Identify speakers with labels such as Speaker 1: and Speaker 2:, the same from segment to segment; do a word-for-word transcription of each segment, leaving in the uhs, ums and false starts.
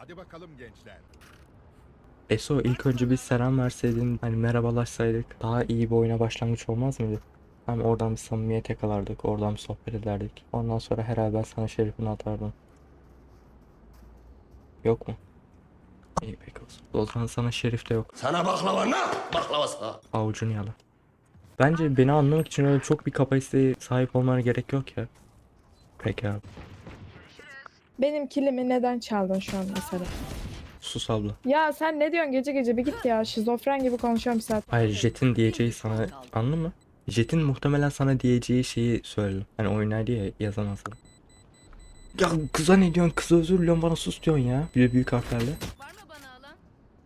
Speaker 1: Hadi bakalım gençler.
Speaker 2: Eso ilk önce bir selam verseydin, hani merhabalaşsaydık daha iyi bir oyuna başlangıç olmaz mıydı? Hem oradan bir samimiyet yakalardık, oradan bir sohbet ederdik. Ondan sonra herhalde ben sana şerifini atardım. Yok mu? İyi peki olsun. O zaman sana şerif de yok.
Speaker 3: Sana baklava ne? Baklavası.
Speaker 2: Avucunu yala. Bence beni anlamak için öyle çok bir kapasiteye sahip olmana gerek yok ya. Peki abi.
Speaker 4: Benim kilimi neden çaldın şu an mesela?
Speaker 2: Sus abla.
Speaker 4: Ya sen ne diyorsun gece gece bir git ya. Şizofren gibi konuşuyorum bir saat.
Speaker 2: Hayır, Jet'in diyeceği sana, anladın mı? Jet'in muhtemelen sana diyeceği şeyi söyledim. Hani oynaydı ya, yazamazdı. Ya kıza ne diyorsun? Kıza özür diliyorum, bana sus diyorsun ya. Bir de büyük harflerle.
Speaker 5: Var mı bana alan?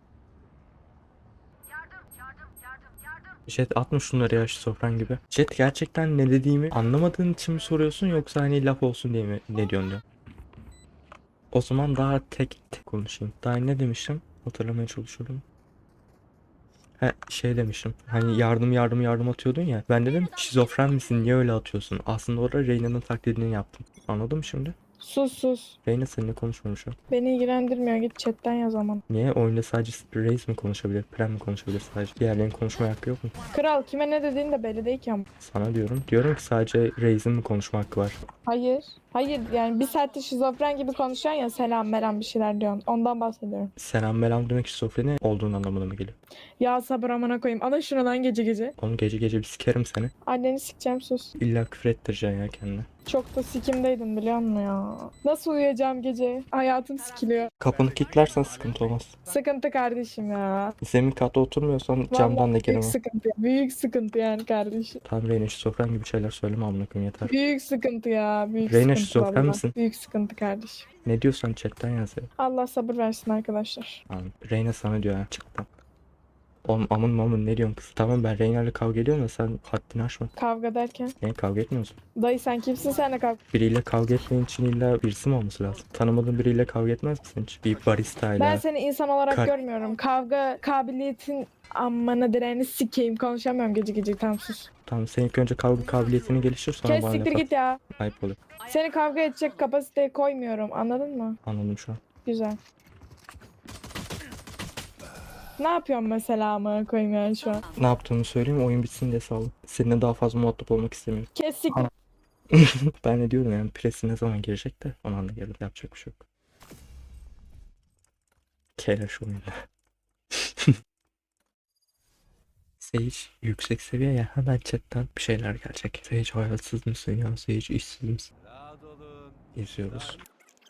Speaker 2: Jet atma şunları ya, şizofren gibi. Jet, gerçekten ne dediğimi anlamadığın için mi soruyorsun, yoksa hani laf olsun diye mi ne diyorsun diyor. O zaman daha tek tek konuşayım. Daha ne demiştim? Hatırlamaya çalışıyorum. He, şey demiştim. Hani yardım yardım yardım atıyordun ya. Ben dedim şizofren misin? Niye öyle atıyorsun? Aslında orada Reyna'nın taklidini yaptım. Anladın mı şimdi?
Speaker 4: Sus sus.
Speaker 2: Reyna seninle konuşmamışım.
Speaker 4: Beni ilgilendirmiyor. Git chatten yaz aman.
Speaker 2: Niye? Oyunda sadece Raze mi konuşabilir? Prem mi konuşabilir sadece? Diğerlerinin konuşma hakkı yok mu?
Speaker 4: Kral kime ne dediğin de belli değil ki ama.
Speaker 2: Sana diyorum. Diyorum ki sadece Raze'in mi konuşma hakkı var?
Speaker 4: Hayır. Hayır yani bir saattir şizofren gibi konuşuyorsun ya, selam meram bir şeyler diyorsun. Ondan bahsediyorum.
Speaker 2: Selam melam demek şizofreni olduğun anlamına mı geliyor?
Speaker 4: Ya sabır amına koyayım. Ana şunu lan gece gece.
Speaker 2: Oğlum gece gece bir sikerim seni.
Speaker 4: Anneni sikeceğim sus.
Speaker 2: İlla küfür ettireceksin ya kendine.
Speaker 4: Çok da sikimdeydin biliyor musun ya? Nasıl uyuyacağım gece? Hayatım sikiliyor.
Speaker 2: Kapını kilitlersen sıkıntı olmaz.
Speaker 4: Sıkıntı kardeşim ya.
Speaker 2: Zemin katta oturmuyorsan
Speaker 4: Vallahi
Speaker 2: camdan da
Speaker 4: büyük
Speaker 2: giremem.
Speaker 4: sıkıntı. Büyük sıkıntı yani kardeşim.
Speaker 2: Tamam Reyna, şizofren gibi şeyler söyleme amına koyayım, yeter.
Speaker 4: Büyük sıkıntı ya. Büyük
Speaker 2: Reyna,
Speaker 4: sıkıntı
Speaker 2: şizofren
Speaker 4: vallahi.
Speaker 2: misin?
Speaker 4: Büyük sıkıntı kardeşim.
Speaker 2: Ne diyorsan chatten yaz ya.
Speaker 4: Allah sabır versin arkadaşlar.
Speaker 2: Tamam. Reyna sana diyor ya, çıktı. Oğlum amın mamın ne diyorsun kız? Tamam, ben Reyna'yla kavga ediyorum da sen haddini aşma.
Speaker 4: Kavga derken.
Speaker 2: Niye kavga etmiyorsun?
Speaker 4: Dayı sen kimsin, senle kavga?
Speaker 2: Biriyle kavga etmenin için illa birisi mi olması lazım? Tanımadığın biriyle kavga etmez misin hiç? Bir baristayla.
Speaker 4: Ben seni insan olarak
Speaker 2: Kar-
Speaker 4: görmüyorum. Kavga kabiliyetin amına direğini sikeyim. Konuşamıyorum gece gece, tam sus.
Speaker 2: Tamam, sen ilk önce kavga kabiliyetini geliştir, sonra
Speaker 4: Kes
Speaker 2: bana
Speaker 4: siktir
Speaker 2: laf at.
Speaker 4: git ya.
Speaker 2: Ayıp oluyor.
Speaker 4: Seni kavga edecek kapasiteye koymuyorum, anladın mı?
Speaker 2: Anladım şu an.
Speaker 4: Güzel. Ne yapıyorsun mesela amına koyayım yani şu an?
Speaker 2: Ne yaptığımı söyleyeyim, oyun bitsin diye saldım. Seninle daha fazla muhatap olmak istemiyorum.
Speaker 4: Kes siktir.
Speaker 2: Ben de diyorum yani, presi ne zaman girecek de o anda gelir, yapacak bir şey yok. Keleş oyunu. Sage yüksek seviye ya, hemen chatten bir şeyler gelecek. Sage hayatsız mısın ya? Sage işsiz misin?
Speaker 1: Rahat olun.
Speaker 2: İzliyoruz.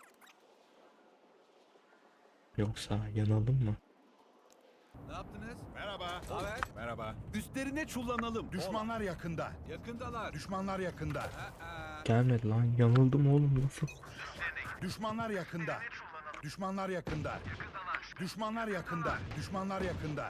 Speaker 2: Yoksa yanalım mı?
Speaker 1: Ne yaptınız? Merhaba. Haber? Merhaba. Üstlerine çullanalım. Düşmanlar yakında. Yakındalar. Düşmanlar yakında.
Speaker 2: Gelmedi lan, yanıldım oğlum, nasıl?
Speaker 1: Düşmanlar yakında. Düşmanlar yakında. Düşmanlar yakında. Düşmanlar yakında.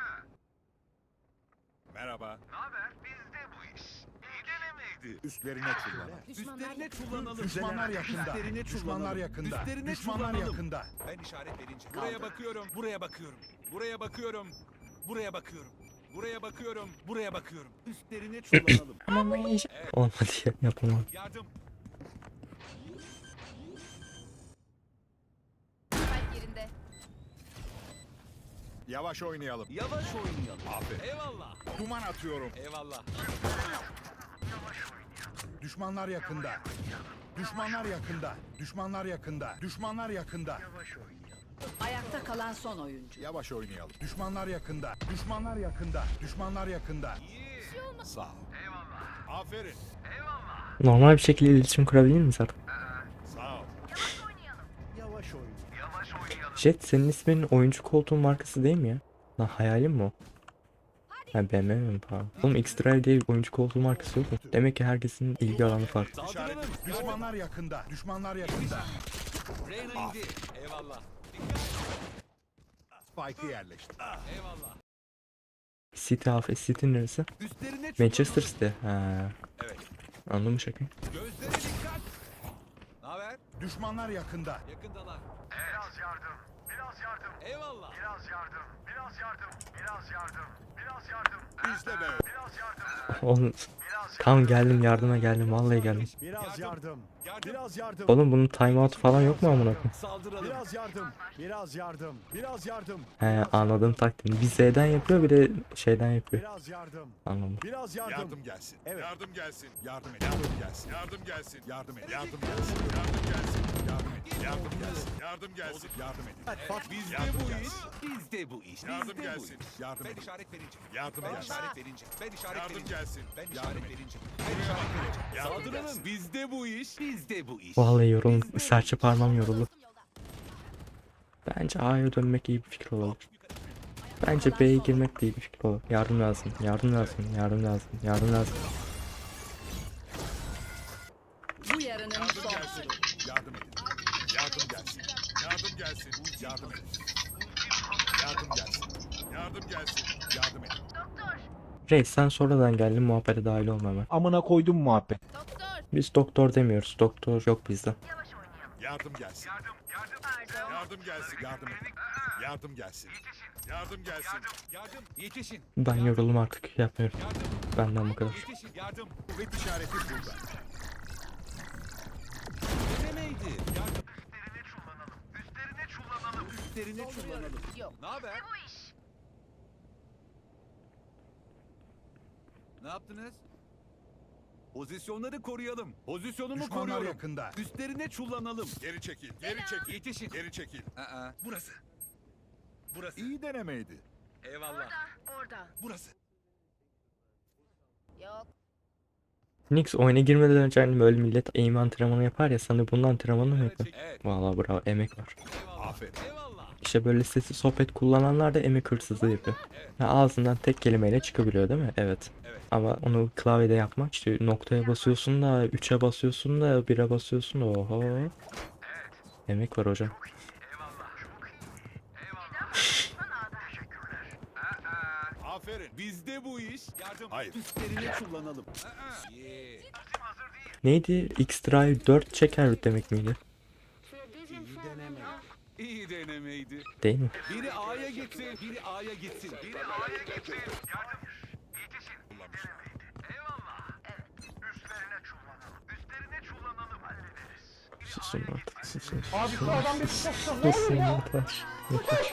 Speaker 1: Merhaba. Ne haber? Bizde bu iş. İyi denemeydi. Üstlerine çullanalım. Üstlerine çullanalım. Düşmanlar yakında. Üstlerine Düşmanlar yakında. Üstlerine Düşmanlar yakında. Ben işaret verince. Buraya bakıyorum. Buraya bakıyorum. Buraya bakıyorum. Buraya bakıyorum. Buraya bakıyorum. Buraya bakıyorum. Üstlerine çullanalım.
Speaker 2: Ama olmadı ya, yapamam.
Speaker 1: Yardım.
Speaker 5: Kalp yerinde.
Speaker 1: Yavaş oynayalım. Yavaş oynayalım. Aferin. Eyvallah. Duman atıyorum. Eyvallah. Düşmanlar yakında. Düşmanlar yakında. Düşmanlar yakında. Düşmanlar yakında.
Speaker 6: Ayakta kalan son oyuncu.
Speaker 1: Yavaş oynayalım. Düşmanlar yakında. Düşmanlar yakında. Düşmanlar yakında. Sağ ol. Eyvallah. Aferin.
Speaker 2: Normal bir şekilde iletişim kurabilir miyiz artık?
Speaker 1: Sağ ol. Yavaş oynayalım.
Speaker 2: Jet, senin isminin oyuncu koltuğun markası değil mi ya? Lan hayalim mi o? Ha, B M W mi pardon? Oğlum X-Drive diye bir oyuncu koltuğu markası yok mu? Demek ki herkesin ilgi alanı farklı.
Speaker 1: İşaret. Düşmanlar yakında. Düşmanlar yakında. Reyna indi. Eyvallah. Spike'ı yerleştir. Eyvallah.
Speaker 2: City Half, City neresi?
Speaker 1: Üstlerine
Speaker 2: Manchester City. Ha.
Speaker 1: Evet.
Speaker 2: Anladın mı şaka?
Speaker 1: Gözlere dikkat. Ne haber? Düşmanlar yakında. Yakındalar. Biraz yardım. Biraz yardım. Eyvallah. Biraz yardım. Biraz yardım. Biraz yardım. Biraz yardım. İşte be. Biraz yardım.
Speaker 2: Oğlum tam geldim yardıma geldim vallahi geldim.
Speaker 1: Biraz yardım. Biraz yardım.
Speaker 2: Oğlum bunun timeout falan yok mu amına koyayım?
Speaker 1: Saldıralım. Biraz yardım. Biraz yardım. Biraz yardım.
Speaker 2: He anladım taktiğini. Bir Z'den yapıyor bir de şeyden yapıyor.
Speaker 1: Biraz yardım.
Speaker 2: Anladım.
Speaker 1: Biraz yardım. Yardım gelsin. Evet. Yardım gelsin. Yardım et. Yardım gelsin. Yardım gelsin. Yardım et. Yardım gelsin. Yardım gelsin. Yardım et. Yardım gelsin. Yardım gelsin. Yardım edin. Evet, bizde bu iş. Bizde bu iş. Yardım gelsin. Yardım ben işaret verince. Yardım ben işaret verince. Ben işaret yardım verince. gelsin. Ben işaret verince. Ben işaret verince. Saldıralım. Bizde bu iş. Bizde bu iş.
Speaker 2: Vallahi yorum serçe parmağım yoruldu. Bence A'ya dönmek iyi bir fikir olabilir. Bence B'ye girmek de iyi bir fikir olur. Yardım lazım, yardım lazım, yardım lazım, yardım lazım.
Speaker 6: Bu yarının
Speaker 1: Yardım
Speaker 6: son.
Speaker 1: gelsin. Yardım edin. Yardım gelsin. Yardım gelsin. Yardım edin. Yardım gelsin. Yardım gelsin. Yardım edin.
Speaker 2: Reis sen sonradan geldin muhabbete dahil olma hemen.
Speaker 7: Amına koydum muhabbet.
Speaker 5: Doktor.
Speaker 2: Biz doktor demiyoruz. Doktor yok bizde.
Speaker 1: Yardım gelsin. Yardım, yardım, yardım gelsin. Yardım edin. Yardım gelsin. Yardım gelsin. Yardım, yetişin.
Speaker 2: Ben yoruldum artık yapmıyorum.
Speaker 1: Yardım,
Speaker 2: Benden bu kadar.
Speaker 1: yetişin. Yardım. Kuvvet işareti burada. Denemeydi. Yardım. Üstlerine çullanalım. Üstlerine çullanalım. Üstlerine çullanalım.
Speaker 5: Yok.
Speaker 1: Ne haber? Ne yaptınız? Pozisyonları koruyalım. Pozisyonumu
Speaker 8: Düşmanlar
Speaker 1: koruyorum.
Speaker 8: yakında.
Speaker 1: Üstlerine çullanalım. Geri çekil. Geri çekil. Yetişin. Geri çekil. Aa, burası. Burası. İyi denemeydi. Eyvallah.
Speaker 5: Orada.
Speaker 1: Burası.
Speaker 5: Yok.
Speaker 2: Nix oyuna girmeden önce hani böyle millet aim antrenmanı yapar ya sana bunun antrenmanı mı
Speaker 1: Evet,
Speaker 2: yapıyor?
Speaker 1: çek- evet.
Speaker 2: Vallahi bravo emek var.
Speaker 1: Eyvallah. Aferin. Eyvallah.
Speaker 2: İşte böyle sessiz sohbet kullananlar da emek hırsızlığı yapıyor. Ya ağzından tek kelimeyle çıkabiliyor değil mi? Evet.
Speaker 1: Evet.
Speaker 2: Ama onu klavyede yapmak işte noktaya basıyorsun da üçe basıyorsun da bire basıyorsun da oho. Emek var hocam.
Speaker 1: Aferin. Bizde bu iş. Yardım. Hayır. Üstlerine çullanalım. Aa. Yeah.
Speaker 2: Neydi? X-Drive dört çeker demek miydi?
Speaker 1: İyi denemeydi.
Speaker 2: Değil mi?
Speaker 1: Biri A'ya gitsin, biri A'ya gitsin. Biri A'ya gitsin. Yardım. Yetişin. Denemeydi. Eyvallah. Evet. Üstlerine çullanalım. Üstlerine çullanalım. Hallederiz.
Speaker 2: Susun artık susun. Abi şu adam bir susun yeter. Yeter.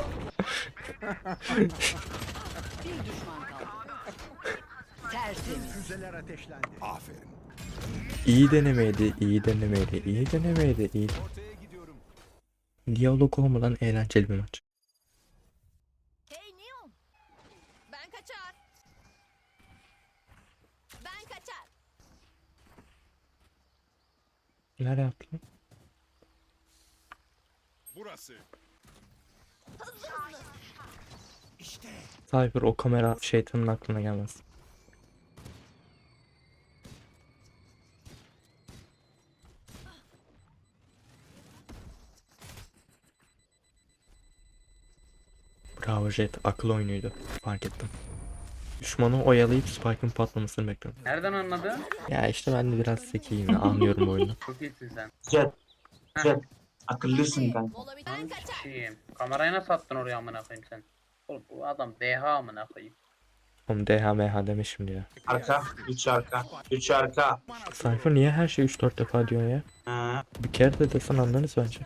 Speaker 6: Bir düşman kaldı. Tertemiz.
Speaker 8: Füzeler ateşlendi.
Speaker 1: Aferin.
Speaker 2: İyi denemeydi, iyi denemeydi, iyi denemeydi, iyi.
Speaker 1: Ortaya gidiyorum.
Speaker 2: Diyalog olmadan eğlenceli bir maç.
Speaker 5: Hey Neon. Ben kaçar. Ben kaçar.
Speaker 2: Nereye attın?
Speaker 1: Burası.
Speaker 2: Cypher o kamera şeytanın aklına gelmez. Bravo Jet, akıl oyunuydu. Fark ettim. Düşmanı oyalayıp Spike'ın patlamasını bekliyorum.
Speaker 9: Nereden anladın?
Speaker 2: Ya işte ben de biraz zekiyim ya, anlıyorum oyunu.
Speaker 9: Çok iyisin sen.
Speaker 10: Jet, Jet. Akıllısın ben.
Speaker 5: Mola bir- Ben kaçar.
Speaker 9: Şeyim. Kamerayı nasıl attın oraya amına koyayım sen? Oğlum bu adam D H amına koyayım.
Speaker 2: Oğlum D H M H deme şimdi ya.
Speaker 10: Arka, üç arka, üç arka.
Speaker 2: Cypher niye her şeyi üç dört defa diyor ya?
Speaker 10: Ha,
Speaker 2: Bir kere de desen anlarız bence.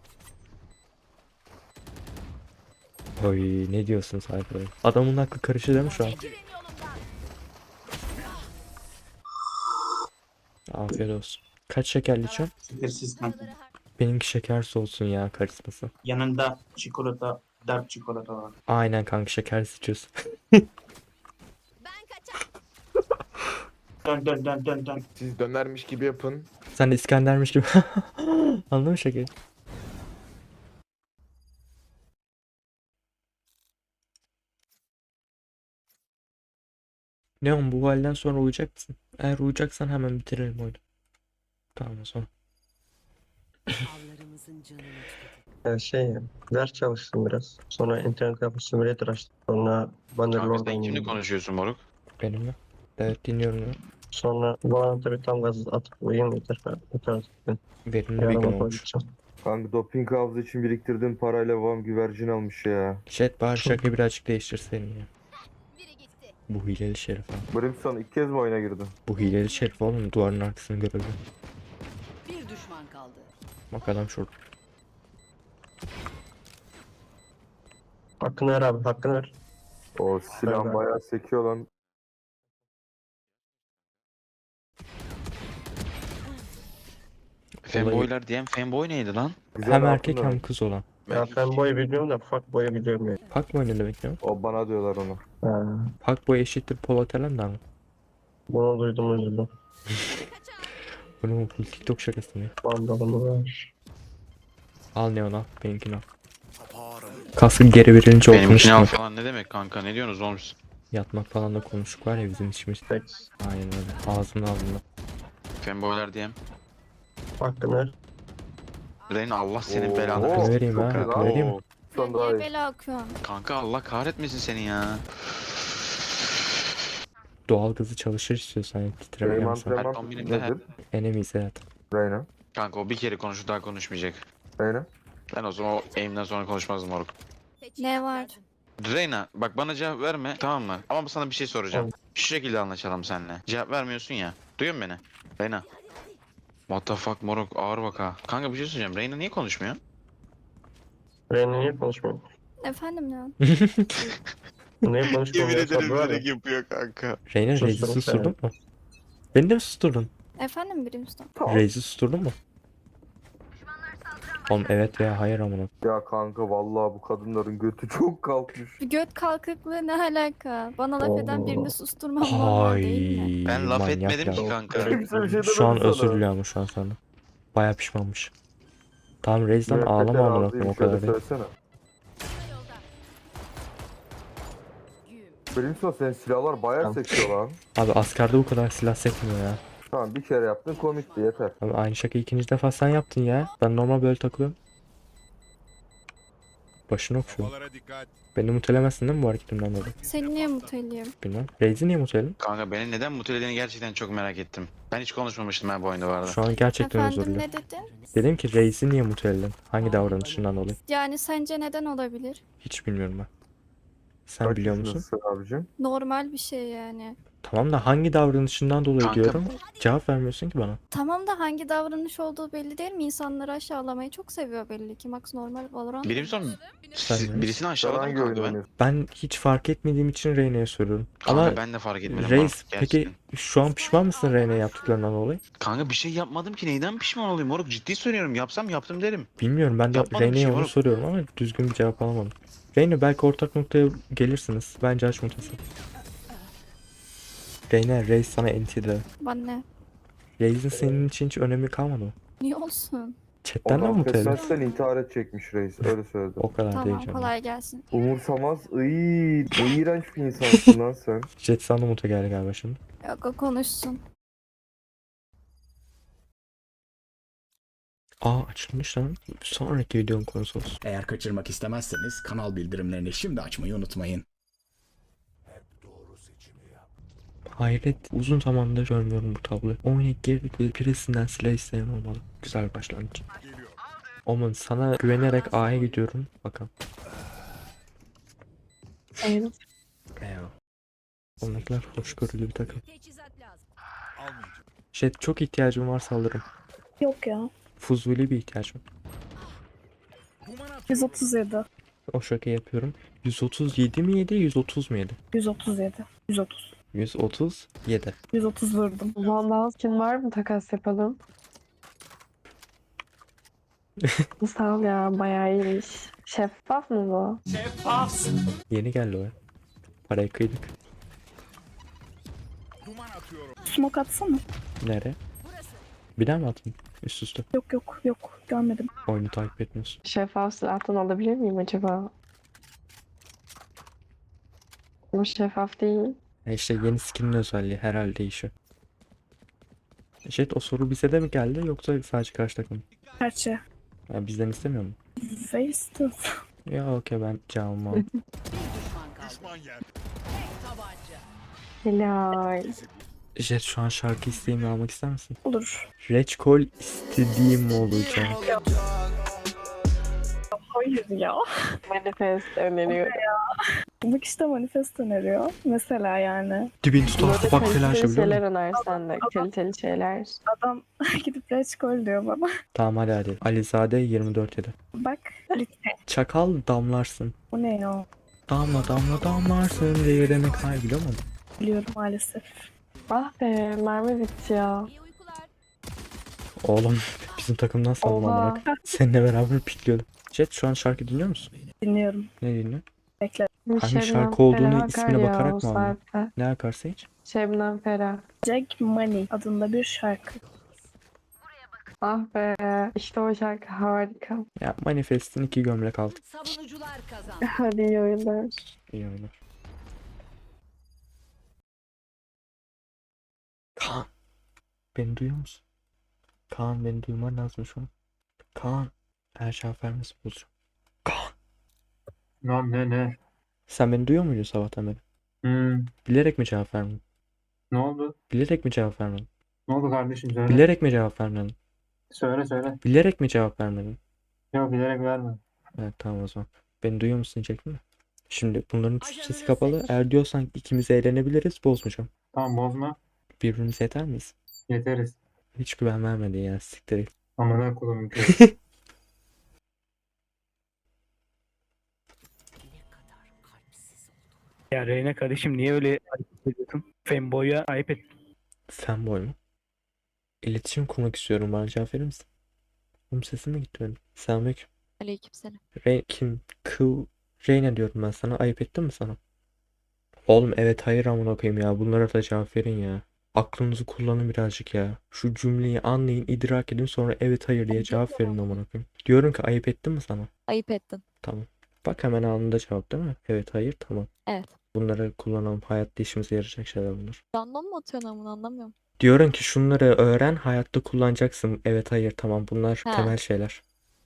Speaker 2: Oy ne diyorsun Cypher? Adamın aklı karışı değil mi şu an?
Speaker 5: Çekilin yolumdan.
Speaker 2: Afiyet olsun. Kaç şekerli içiyorsun?
Speaker 10: sinirsiz kanka.
Speaker 2: Benimki şekersiz olsun ya karizması.
Speaker 10: Yanında çikolata, dark çikolata var.
Speaker 2: Aynen kanka şekersiz içiyorsun.
Speaker 5: Ben kaçar.
Speaker 10: Dön dön dön dön dön.
Speaker 7: Siz dönermiş gibi yapın.
Speaker 2: Sen de İskender'miş gibi. Anladın mı şekeri? Neon bu halden sonra uyuyacak mısın? Eğer uyuyacaksan hemen bitirelim oyunu. Tamam o zaman.
Speaker 6: Avlarımızın canını tüketin.
Speaker 11: Ya şey, ders çalıştım biraz. Sonra internet kafe simülatör açtım. Sonra Bannerlord'dan indim.
Speaker 3: konuşuyorsun moruk?
Speaker 2: Benimle. Evet dinliyorum ya.
Speaker 11: Sonra Valorant'a bir tam gaz atıp uyuyayım yeter. Yeter artık.
Speaker 2: Verimli bir gün
Speaker 11: Yarın okula
Speaker 2: olmuş.
Speaker 11: gideceğim.
Speaker 7: Kanka doping havuzu için biriktirdiğim parayla babam güvercin almış ya.
Speaker 2: Jet bari şarkıyı birazcık değiştirseydin ya.
Speaker 5: Biri gitti.
Speaker 2: Bu hileli şerif abi.
Speaker 7: Brimstone ilk kez mi oyuna girdin?
Speaker 2: Bu hileli şerif oğlum, duvarın arkasını görebiliyor.
Speaker 6: Bir düşman kaldı.
Speaker 2: Bak adam şurada.
Speaker 11: Hakkını ver abi, hakkını ver.
Speaker 7: O silah
Speaker 11: Evet.
Speaker 7: bayağı sekiyor lan.
Speaker 8: Fanboylar diyen fanboy neydi lan?
Speaker 7: Güzel
Speaker 2: Hem
Speaker 7: altın
Speaker 2: erkek
Speaker 7: demek.
Speaker 2: hem kız olan.
Speaker 11: Ya fanboy biliyorum da fuckboy'u biliyorum ya.
Speaker 2: Fuckboy ne demek ya?
Speaker 7: O bana diyorlar onu.
Speaker 11: Ha,
Speaker 2: Fuckboy eşittir Polat Alemdar mı?
Speaker 11: bunu duydum üzüldüm.
Speaker 2: Bu ne bu TikTok şakası mı?
Speaker 11: Bandalımı ver.
Speaker 2: Al Neon al. Benimkini al. Kaskı geri verince
Speaker 8: Benimkini al
Speaker 2: oturmuş.
Speaker 8: falan ne demek kanka, ne diyorsunuz oğlum siz?
Speaker 2: Yatmak falan da konuştuk var ya bizim işimiz.
Speaker 11: Seks.
Speaker 2: Aynen öyle. Ağzımda ağzımda.
Speaker 8: Fanboylar diyen.
Speaker 11: Hakkını ver.
Speaker 8: Reyna Allah senin
Speaker 7: Oo,
Speaker 8: belanı
Speaker 7: oo,
Speaker 8: versin.
Speaker 2: vereyim
Speaker 7: çok
Speaker 2: ha,
Speaker 7: iyi
Speaker 2: hakkını
Speaker 7: lan.
Speaker 2: vereyim mi?
Speaker 7: Oo, Son daha iyi.
Speaker 5: bela akıyorsun?
Speaker 8: Kanka Allah kahretmesin seni ya.
Speaker 2: Doğal gazı çalışır istiyorsan yani titreme
Speaker 7: Benim
Speaker 2: gelmesin.
Speaker 7: antrenman
Speaker 8: Her kombinimde her-
Speaker 7: nedir?
Speaker 2: Enemies evet.
Speaker 7: Reyna.
Speaker 8: Kanka o bir kere konuştu daha konuşmayacak.
Speaker 7: Reyna.
Speaker 8: Ben o zaman o aim'den sonra konuşmazdım moruk.
Speaker 5: Ne var?
Speaker 8: Reyna bak bana cevap verme tamam mı? Ama sana bir şey soracağım.
Speaker 11: Tamam.
Speaker 8: Şu şekilde anlaşalım seninle. Cevap vermiyorsun ya. Duyuyor musun beni? Reyna. What the fuck moruk, ağır bak ha. Kanka bir şey söyleyeceğim. Reyna niye konuşmuyor?
Speaker 11: Reyna niye konuşmuyor?
Speaker 5: Efendim ya.
Speaker 11: Niye konuşmuyor? Ya, sabır var ya.
Speaker 8: yapıyor kanka.
Speaker 2: Reyna
Speaker 11: Sustum
Speaker 2: Reis'i
Speaker 11: seni.
Speaker 2: susturdun mu? Beni de mi susturdun?
Speaker 5: Efendim Brimstone.
Speaker 2: Reis'i susturdun mu? Oğlum evet veya hayır amına.
Speaker 7: Ya kanka vallahi bu kadınların götü çok kalkmış.
Speaker 5: Göt kalkıklığı ne alaka? Bana laf eden
Speaker 11: Oo.
Speaker 5: birini susturmam normal değil mi?
Speaker 2: Hay
Speaker 8: Ben laf
Speaker 2: manyak
Speaker 8: etmedim
Speaker 2: ya.
Speaker 8: ki kanka.
Speaker 7: Kimse bir şey demedi
Speaker 2: Şu an
Speaker 7: sana.
Speaker 2: özür diliyor ama şu an sana. Baya pişmanmış. Tamam Reis'den
Speaker 7: Müebbetler
Speaker 2: ağlama amına
Speaker 7: ağzıyım,
Speaker 2: koyayım o
Speaker 7: şöyle
Speaker 2: kadar değil.
Speaker 7: söylesene. Brimstone senin silahlar bayağı
Speaker 11: Tamam.
Speaker 7: sekiyor lan.
Speaker 2: Abi askerde bu kadar silah sekmiyor ya.
Speaker 7: Tamam bir kere yaptın komikti yeter.
Speaker 2: Abi aynı şakayı ikinci defa sen yaptın ya. Ben normal böyle takılıyorum. Başını okşuyor.
Speaker 1: Havalara dikkat.
Speaker 2: Beni mutelemezsin değil mi bu hareketimden dolayı?
Speaker 5: Seni niye mutluyum?
Speaker 2: Bilmem. Reis'i niye muteledim?
Speaker 8: Kanka beni neden mutelediğini gerçekten çok merak ettim. Ben hiç konuşmamıştım ben bu oyunda bu arada.
Speaker 2: Şu an gerçekten özür
Speaker 5: Efendim
Speaker 2: diliyorum.
Speaker 5: ne dedin?
Speaker 2: Dedim ki Reis'i niye muteledin? Hangi davranışından dolayı?
Speaker 5: Yani sence neden olabilir?
Speaker 2: Hiç bilmiyorum ben. Sen
Speaker 7: Kaç
Speaker 2: biliyor musun?
Speaker 7: yaşındasın abicim?
Speaker 5: Normal bir şey yani.
Speaker 2: Tamam da hangi davranışından dolayı
Speaker 8: Kanka-
Speaker 2: diyorum. Cevap vermiyorsun ki bana.
Speaker 5: Tamam da hangi davranış olduğu belli değil mi? İnsanları aşağılamayı çok seviyor belli ki. Max normal Valorant.
Speaker 8: Birimson
Speaker 2: Sen
Speaker 8: siz-
Speaker 2: mi?
Speaker 8: birisini
Speaker 7: Sen
Speaker 8: aşağıladım
Speaker 7: hangi oyun
Speaker 8: kanka ben.
Speaker 7: oynuyorsun?
Speaker 2: Ben hiç fark etmediğim için Reyna'ya soruyorum.
Speaker 8: Kanka
Speaker 2: Ama
Speaker 8: ben de fark etmedim.
Speaker 2: Reis
Speaker 8: moruk,
Speaker 2: peki
Speaker 8: gerçekten.
Speaker 2: şu an pişman mısın Reyna'ya yaptıklarından dolayı?
Speaker 8: Kanka bir şey yapmadım ki neyden pişman olayım moruk, ciddi söylüyorum, yapsam yaptım derim.
Speaker 2: Bilmiyorum, ben de
Speaker 8: Yapmadım bir
Speaker 2: Reyna'ya
Speaker 8: şey
Speaker 2: onu
Speaker 8: moruk.
Speaker 2: soruyorum ama düzgün bir cevap alamadım. Reyna belki ortak noktaya gelirsiniz. Bence aç mutası. Reyna, Reis sana entide.
Speaker 5: Bana ne?
Speaker 2: Reis'in senin için hiç önemi kalmadı mı?
Speaker 5: Niye olsun?
Speaker 2: Chatten de mi
Speaker 7: Onu
Speaker 2: muteledin?
Speaker 7: affetmezsen intihar edecekmiş reis öyle söyledi.
Speaker 2: O kadar değil
Speaker 5: Tamam
Speaker 2: canım.
Speaker 5: kolay gelsin.
Speaker 7: Umursamaz ıy, ne iğrenç bir insansın lan sen.
Speaker 2: Jet sana mute geldi galiba şimdi.
Speaker 5: Yok o konuşsun.
Speaker 2: Aa açılmış lan. Sonraki videonun konusu olsun.
Speaker 1: Eğer kaçırmak istemezseniz kanal bildirimlerini şimdi açmayı unutmayın.
Speaker 2: Hayret, uzun zamandır görmüyorum bu tabloyu. Oynayıp girdik ve birisinden silah isteyen olmalı. Güzel bir başlangıç. Oğlum sana güvenerek A'ya gidiyorum. Bakalım.
Speaker 4: Evet.
Speaker 2: Eyvallah. Ondakiler hoşgörülü bir takım.
Speaker 5: Teçhizat lazım.
Speaker 2: Jet çok ihtiyacım varsa alırım.
Speaker 4: Yok ya.
Speaker 2: Fuzuli bir ihtiyacım.
Speaker 4: yüz otuz yedi.
Speaker 2: O şaka yapıyorum. yüz otuz yedi mi yedi, yüz otuz mu yedi?
Speaker 4: yüz otuz yedi. yüz otuz.
Speaker 2: yüz otuz yedi.
Speaker 4: yüz otuz vurdum.
Speaker 12: Vandal skin var mı, takas yapalım? Sağ ol ya, bayağı iyiymiş. Şeffaf mı bu?
Speaker 2: Yeni geldi o ya. Parayı kıydık.
Speaker 4: Smoke atsana.
Speaker 2: Nereye? Bir daha mı atayım? Üst üste.
Speaker 4: Yok yok yok görmedim.
Speaker 2: Oyunu takip etmiyorsun.
Speaker 12: Şeffaf silahtan alabilir miyim acaba? Bu şeffaf değil.
Speaker 2: E işte yeni skinin özelliği herhalde değişiyor. Jet o soru bize de mi geldi yoksa sadece karşı takım mı?
Speaker 4: Gerçi.
Speaker 2: Ya bizden istemiyor mu?
Speaker 4: Face to.
Speaker 2: Ya okey ben cevabımı aldım.
Speaker 6: Bir düşman kaldı.
Speaker 1: Düşman yer.
Speaker 6: Tek tabanca.
Speaker 12: Helal.
Speaker 2: Jet şu an şarkı isteğimi almak ister misin?
Speaker 4: Olur.
Speaker 2: Reçkol istediğim olacak.
Speaker 4: Hayır ya.
Speaker 12: Manifest öneriyorum.
Speaker 4: Bak işte manifest öneriyor. Mesela yani.
Speaker 2: Dibin tutarsa bak telaşı
Speaker 12: Kaliteli
Speaker 2: biliyor
Speaker 12: şeyler
Speaker 2: musun?
Speaker 12: önersen de. Kaliteli şeyler.
Speaker 4: Adam gidip reçkol diyor bana.
Speaker 2: Tamam hadi hadi. Alizade yirmi dört yedi.
Speaker 4: Bak lütfen.
Speaker 2: Çakal damlarsın.
Speaker 4: Bu ne ya?
Speaker 2: Damla damla damlarsın diye demek hayır biliyor musun?
Speaker 4: Biliyorum maalesef.
Speaker 12: Ah be mermi bitti ya.
Speaker 2: Oğlum bizim takımdan sandım
Speaker 12: Oha.
Speaker 2: amına. Seninle beraber pikliyordum. Jet şu an şarkı dinliyor musun?
Speaker 4: Dinliyorum.
Speaker 2: Ne dinliyor?
Speaker 4: Bekle.
Speaker 2: Hangi
Speaker 12: Şebnem
Speaker 2: şarkı olduğunu
Speaker 12: Ferah
Speaker 2: ismine
Speaker 12: akar ya
Speaker 2: bakarak
Speaker 12: o
Speaker 2: mı anladın?
Speaker 12: saatte.
Speaker 2: Ne akarsa hiç?
Speaker 12: Şebnem Ferah.
Speaker 4: Jack Money adında bir şarkı.
Speaker 12: Ah be işte o şarkı harika.
Speaker 2: Ya Manifest'in iki gömlek altı.
Speaker 6: Savunucular kazandı.
Speaker 12: Hadi iyi oyunlar.
Speaker 2: İyi oynar. Kaan. Beni duyuyor musun? Kaan beni duyman lazım şu an. Kaan. Her şey vermesi bulacağım. Kaan.
Speaker 10: Ne ne ne?
Speaker 2: Sen beni duyuyor muydun sabahtan beri?
Speaker 10: Hmm,
Speaker 2: Bilerek mi cevap vermedin?
Speaker 10: ne oldu?
Speaker 2: Bilerek mi cevap vermedin?
Speaker 10: Ne oldu kardeşim söyle.
Speaker 2: Bilerek mi cevap vermedin?
Speaker 10: Söyle söyle.
Speaker 2: Bilerek mi cevap vermedin?
Speaker 10: Yok bilerek verme.
Speaker 2: Evet tamam o zaman. Beni duyuyor musun diyecektim de. Şimdi bunların Türkçesi kapalı. Eğer diyorsan ikimiz eğlenebiliriz bozmayacağım.
Speaker 10: Tamam bozma.
Speaker 2: Birbirimize yeter miyiz?
Speaker 10: Yeteriz.
Speaker 2: Hiç güven vermedin ya siktir et.
Speaker 10: Amına kodumun köyü.
Speaker 9: Ya Reyna kardeşim niye öyle hareket ediyorsun? Femboy'a ayıp et.
Speaker 2: Fanboy mu? İletişim kurmak istiyorum. Bana cevap verir misin? Oğlum sesim mi gitti benim? Selamünaleyküm.
Speaker 5: Aleykümselam.
Speaker 2: Re kim? Kıl. Reyna diyorum ben sana. Ayıp ettim mi sana? Oğlum evet hayır amına koyayım ya. Bunlara da cevap verin ya. Aklınızı kullanın birazcık ya. Şu cümleyi anlayın, idrak edin sonra evet hayır diye cevap verin amına koyayım. Diyorum ki ayıp ettim mi sana?
Speaker 5: Ayıp ettin.
Speaker 2: Tamam. Bak hemen anında cevap değil mi? Evet hayır tamam.
Speaker 5: Evet.
Speaker 2: Bunları kullanalım. Hayatta işimize yarayacak şeyler bunlar.
Speaker 5: Random mı atıyorsun bunu anlamıyorum.
Speaker 2: Diyorum ki şunları öğren, hayatta kullanacaksın. Evet hayır tamam bunlar
Speaker 5: Ha.
Speaker 2: temel şeyler.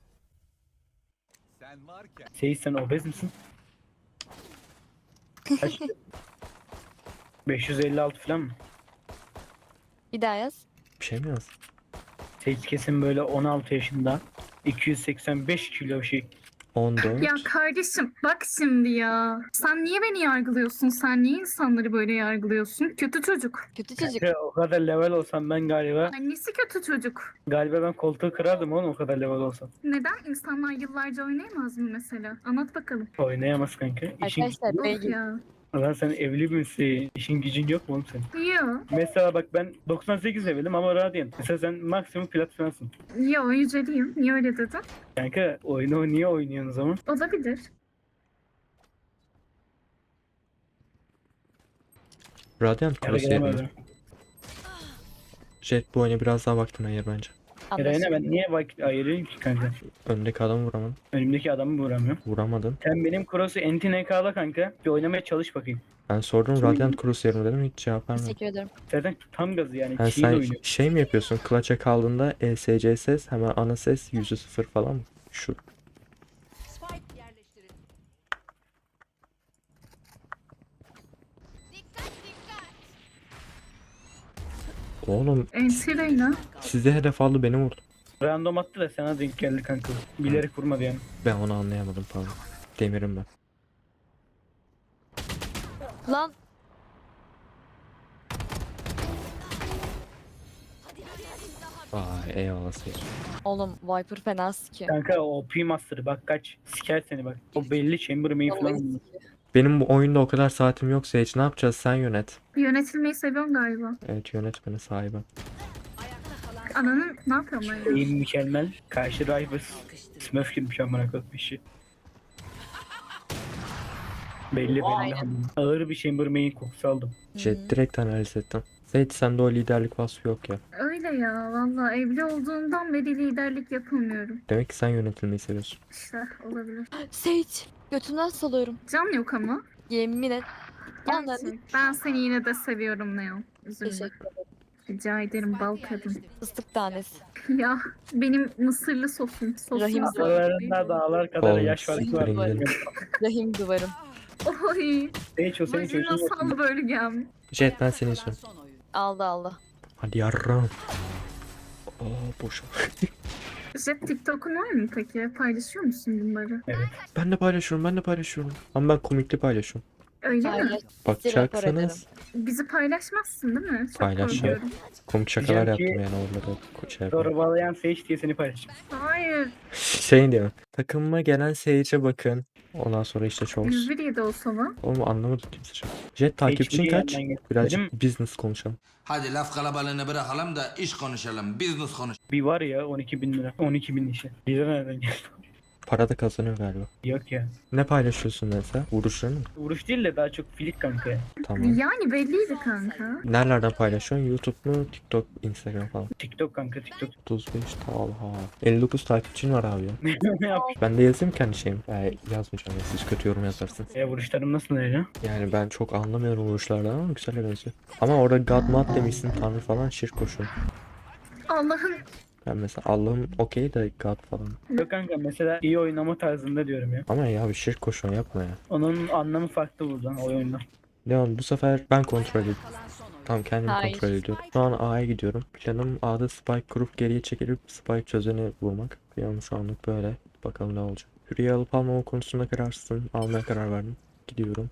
Speaker 1: Sen varken
Speaker 9: Şey sen obez misin? Kaç? beş yüz elli altı falan mı?
Speaker 5: Bir daha yaz.
Speaker 2: Bir şey mi yaz?
Speaker 9: Sage kesin böyle on altı yaşında. iki yüz seksen beş kilo şey.
Speaker 2: on dört.
Speaker 4: Ya kardeşim bak şimdi ya. Sen niye beni yargılıyorsun? Sen niye insanları böyle yargılıyorsun? Kötü çocuk.
Speaker 5: Kötü çocuk.
Speaker 9: Ya, o kadar level olsam ben galiba
Speaker 4: Annesi kötü çocuk.
Speaker 9: galiba ben koltuğu kırardım oğlum o kadar level olsam.
Speaker 4: Neden? İnsanlar yıllarca oynayamaz mı mesela? Anlat bakalım.
Speaker 9: Oynayamaz kanka. İşin
Speaker 5: Arkadaşlar
Speaker 4: Of
Speaker 5: beygir.
Speaker 4: ya.
Speaker 9: Lan sen evli misin? İşin gücün yok mu oğlum senin?
Speaker 4: Yo.
Speaker 9: Mesela bak ben doksan sekiz levelim ama Radiant. Mesela sen maksimum plat falansın.
Speaker 4: Yo yüceliyim. Niye öyle dedin?
Speaker 9: Kanka oyunu niye oynuyorsun o zaman?
Speaker 4: Olabilir.
Speaker 2: Radiant
Speaker 9: Yara
Speaker 2: Cross yerine.
Speaker 9: gelemedim.
Speaker 2: Jet bu oyuna biraz daha vaktin ayır bence.
Speaker 9: Reyna
Speaker 5: Anlaşıldı.
Speaker 9: ben niye vakit ayırayım ki kanka?
Speaker 2: Öndeki adamı vuramadın.
Speaker 9: Önümdeki adamı vuramıyorum.
Speaker 2: Vuramadın.
Speaker 9: Sen benim cross'u N T N K'la kanka. Bir oynamaya çalış bakayım.
Speaker 2: Ben sordum Radiant Cross yerine dedim hiç cevap vermedin.
Speaker 5: Teşekkür ederim.
Speaker 9: Zaten tam gazı yani.
Speaker 2: Ha,
Speaker 9: Çiğ
Speaker 2: sen
Speaker 9: oynuyor.
Speaker 2: şey mi yapıyorsun? Clutch'a kaldığında E S C ses hemen ana ses yüzde sıfır falan mı? Şu.
Speaker 6: Spike yerleştirildi.
Speaker 2: Oğlum
Speaker 4: Entireyna.
Speaker 2: size hedef aldı beni vurdu.
Speaker 9: Random attı da sana denk geldi kanka. Bilerek vurmadı yani.
Speaker 2: Ben onu anlayamadım pardon. Demirim ben.
Speaker 5: Lan
Speaker 2: Vay eyvallah Sage.
Speaker 5: oğlum Viper fena sikiyor.
Speaker 9: Kanka o P Master'ı bak kaç. Siker seni bak. O belli Chambermain
Speaker 5: Vallahi
Speaker 9: falan.
Speaker 5: sikiyor.
Speaker 2: Benim bu oyunda o kadar saatim yok Sage. Ne yapacağız? Sen yönet.
Speaker 4: Yönetilmeyi seviyorum galiba.
Speaker 2: Evet yönet beni sahibi.
Speaker 6: Ayakta kalan
Speaker 4: Ananın ne yapıyorum ben ya?
Speaker 9: Eğim mükemmel. Karşı Rivers. Smurf girmiş amına koyayım işi. Belli belli.
Speaker 5: Aynen.
Speaker 9: Ağır bir Chambermain kokusu aldım.
Speaker 2: Jet direkt analiz ettim. Sage sende o liderlik vasfı yok ya.
Speaker 4: Öyle ya valla evli olduğumdan beri liderlik yapamıyorum.
Speaker 2: Demek ki sen yönetilmeyi seviyorsun.
Speaker 4: İşte olabilir.
Speaker 5: Sage. Götümden salıyorum.
Speaker 4: Can yok ama.
Speaker 5: Yemin et. Anladın.
Speaker 4: Gerçek. Ben seni yine de seviyorum Neo. Üzülme.
Speaker 5: Teşekkür ederim.
Speaker 4: Rica ederim bal kadın.
Speaker 5: Fıstık tanesi.
Speaker 4: Ya benim mısırlı sosum. Sosum.
Speaker 5: Rahim
Speaker 9: Aralarında dağlar kadar
Speaker 2: Oğlum,
Speaker 9: yaş farkı var.
Speaker 2: siktirin gidin.
Speaker 5: Rahim duvarım.
Speaker 4: Oy.
Speaker 9: Hiç o senin çocuğun yok.
Speaker 4: Vajinasal bölgem.
Speaker 2: Jet ben seni
Speaker 6: kalan
Speaker 2: istiyorum.
Speaker 6: son oyun.
Speaker 5: Aldı aldı.
Speaker 2: Hadi yarram. Oo boş.
Speaker 4: Jet TikTok'un var mı peki? Paylaşıyor musun bunları?
Speaker 2: Ben de paylaşıyorum, ben de paylaşıyorum. Ama ben komikli paylaşıyorum.
Speaker 4: Öyle mi?
Speaker 5: Paylaş.
Speaker 2: Bakacaksanız
Speaker 4: Bizi paylaşmazsın değil mi? Çok
Speaker 2: Paylaşacağım.
Speaker 4: korkuyorum.
Speaker 2: komik şakalar
Speaker 10: Diyeceğim ki-
Speaker 2: yaptım yani orada da ko- şey yapıyorum.
Speaker 10: Zorbalayan Sage diye seni paylaşacağım.
Speaker 4: Hayır.
Speaker 2: Şey diyor. Takımıma gelen Sage'e bakın. Ondan sonra işte Chols.
Speaker 4: yüz bir yedi o sana.
Speaker 2: Oğlum anlamadım kimse çok. Jet takipçin kaç?
Speaker 10: Benim
Speaker 2: Birazcık business konuşalım.
Speaker 3: Hadi laf kalabalığını bırakalım da iş konuşalım. Business konuş.
Speaker 10: bir var ya on iki bin lira. on iki bin işi. Lira nereden geldi?
Speaker 2: Para da kazanıyor galiba.
Speaker 10: Yok ya.
Speaker 2: Ne paylaşıyorsun mesela? Vuruşlarını mı?
Speaker 10: Vuruş değil de daha çok filik kanka ya.
Speaker 2: Tamam.
Speaker 4: Yani belliydi kanka.
Speaker 2: Nerelerden paylaşıyorsun? YouTube mu? TikTok, Instagram falan.
Speaker 10: TikTok kanka TikTok.
Speaker 2: otuz beş Talha. elli dokuz takipçin var abi ya.
Speaker 10: ne yapayım?
Speaker 2: Ben de yazayım kendi şeyim. Yani yazmayacağım ya. Siz kötü yorum yazarsınız.
Speaker 10: Ya vuruşlarım nasıl öyle?
Speaker 2: Yani ben çok anlamıyorum vuruşlardan ama güzel benziyor. Ama orada God Mat demişsin Tanrı falan şirk koşuyor.
Speaker 4: Allah'ım.
Speaker 2: Ben mesela Allah'ım okey de God falan.
Speaker 10: Yok kanka mesela iyi oynama tarzında diyorum ya.
Speaker 2: Ama ya bir şirk koşuyor yapma ya.
Speaker 10: Onun anlamı farklı buradan o oyunda.
Speaker 2: Leon bu sefer ben kontrol ediyorum.
Speaker 6: Kalan son oyun.
Speaker 2: Tamam kendim
Speaker 5: Hayır.
Speaker 2: kontrol ediyorum. Şu an A'ya gidiyorum. Planım A'da spike kurup geriye çekilip spike çözeni bulmak. Planım şu anlık böyle. Bakalım ne olacak. Hürriye alıp almama konusunda kararsızım. Almaya karar verdim. Gidiyorum.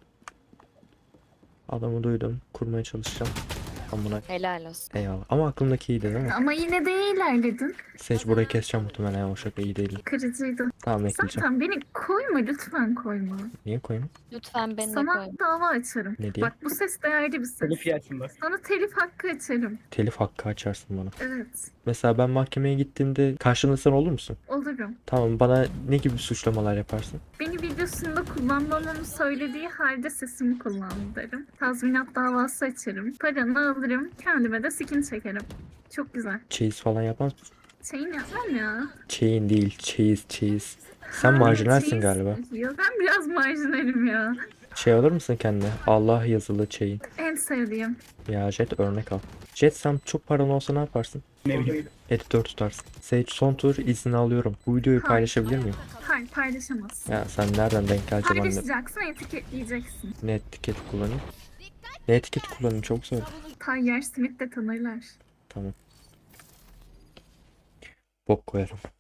Speaker 2: Adamı duydum. Kurmaya çalışacağım. Amına
Speaker 5: Helal olsun.
Speaker 2: eyvallah. Ama aklımdaki iyiydi değil mi?
Speaker 4: Ama yine de iyi ilerledin.
Speaker 2: Sage burayı keseceğim muhtemelen. O şaka iyi değil.
Speaker 4: Kırıcıydı.
Speaker 2: Tamam bekleyeceğim.
Speaker 4: Zaten beni koyma lütfen koyma.
Speaker 2: Niye koyayım?
Speaker 5: Lütfen beni de
Speaker 4: Sana
Speaker 5: koy.
Speaker 4: dava açarım.
Speaker 2: Ne diye?
Speaker 4: Bak bu ses değerli bir ses.
Speaker 10: Telif yersin bak.
Speaker 4: Sana telif hakkı açarım.
Speaker 2: Telif hakkı açarsın bana.
Speaker 4: Evet.
Speaker 2: Mesela ben mahkemeye gittiğimde karşımda sen olur musun?
Speaker 4: Olurum.
Speaker 2: Tamam bana ne gibi suçlamalar yaparsın?
Speaker 4: Beni videosunda kullanmamamı söylediği halde sesimi kullandı derim. Tazminat davası açarım. Paranı alırım. Kendime de skin çekerim. Çok güzel.
Speaker 2: Çeyiz falan yapmaz mısın?
Speaker 4: Şeyin yapmam ya.
Speaker 2: Chain değil, çeyiz, çeyiz. Sen
Speaker 4: Ha,
Speaker 2: marjinalsin
Speaker 4: çeyiz-
Speaker 2: galiba.
Speaker 4: Yok ben biraz marjinalim ya.
Speaker 2: Şey alır mısın kendine? Allah yazılı chain.
Speaker 4: En sevdiğim.
Speaker 2: Ya Jet örnek al. Jet sen çok paran olsa ne yaparsın?
Speaker 10: Ne bileyim.
Speaker 2: Editör tutarsın. Sage son tur izni alıyorum. Bu videoyu
Speaker 4: Hayır.
Speaker 2: paylaşabilir miyim?
Speaker 4: Hayır paylaşamazsın.
Speaker 2: Ya sen nereden denk geleceksin ben de
Speaker 4: Paylaşacaksın, etiketleyeceksin.
Speaker 2: ne etiket kullanayım? Ne etiket kullanayım çok zor.
Speaker 4: Tayyar Smith de tanırlar.
Speaker 2: Tamam. Bok koyarım.